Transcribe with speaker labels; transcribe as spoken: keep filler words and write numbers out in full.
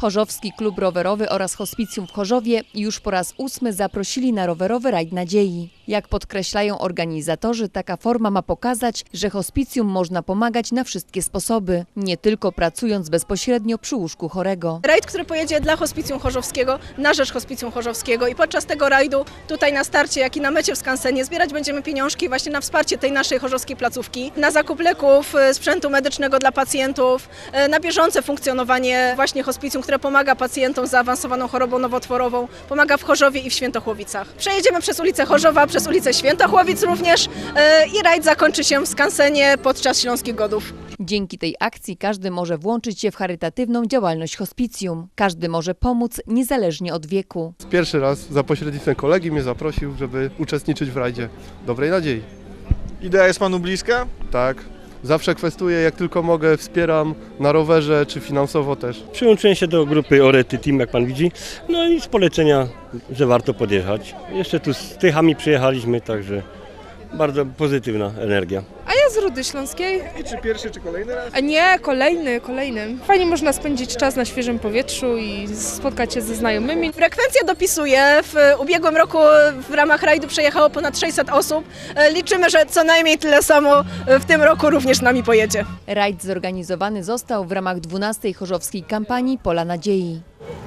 Speaker 1: Chorzowski Klub Rowerowy oraz Hospicjum w Chorzowie już po raz ósmy zaprosili na rowerowy rajd nadziei. Jak podkreślają organizatorzy, taka forma ma pokazać, że hospicjum można pomagać na wszystkie sposoby, nie tylko pracując bezpośrednio przy łóżku chorego.
Speaker 2: Rajd, który pojedzie dla Hospicjum Chorzowskiego, na rzecz Hospicjum Chorzowskiego i podczas tego rajdu tutaj na starcie, jak i na mecie w skansenie zbierać będziemy pieniążki właśnie na wsparcie tej naszej chorzowskiej placówki, na zakup leków, sprzętu medycznego dla pacjentów, na bieżące funkcjonowanie właśnie hospicjum, które pomaga pacjentom z zaawansowaną chorobą nowotworową, pomaga w Chorzowie i w Świętochłowicach. Przejedziemy przez ulicę Chorzowa, przez ulicę Świętochłowic również i rajd zakończy się w skansenie podczas Śląskich Godów.
Speaker 1: Dzięki tej akcji każdy może włączyć się w charytatywną działalność hospicjum. Każdy może pomóc niezależnie od wieku.
Speaker 3: Pierwszy raz za pośrednictwem kolegi mnie zaprosił, żeby uczestniczyć w rajdzie Dobrej Nadziei.
Speaker 4: Idea jest panu bliska?
Speaker 3: Tak, zawsze kwestuję, jak tylko mogę, wspieram na rowerze czy finansowo też.
Speaker 5: Przyłączyłem się do grupy Orety Team, jak pan widzi, no i z polecenia, że warto podjechać. Jeszcze tu z Tychami przyjechaliśmy, także bardzo pozytywna energia.
Speaker 6: A ja z Rudy Śląskiej.
Speaker 4: I czy pierwszy, czy kolejny raz?
Speaker 6: A nie, kolejny, kolejny. Fajnie można spędzić czas na świeżym powietrzu i spotkać się ze znajomymi.
Speaker 2: Frekwencja dopisuje. W ubiegłym roku w ramach rajdu przejechało ponad sześćset osób. Liczymy, że co najmniej tyle samo w tym roku również z nami pojedzie.
Speaker 1: Rajd zorganizowany został w ramach dwunastej chorzowskiej kampanii Pola Nadziei.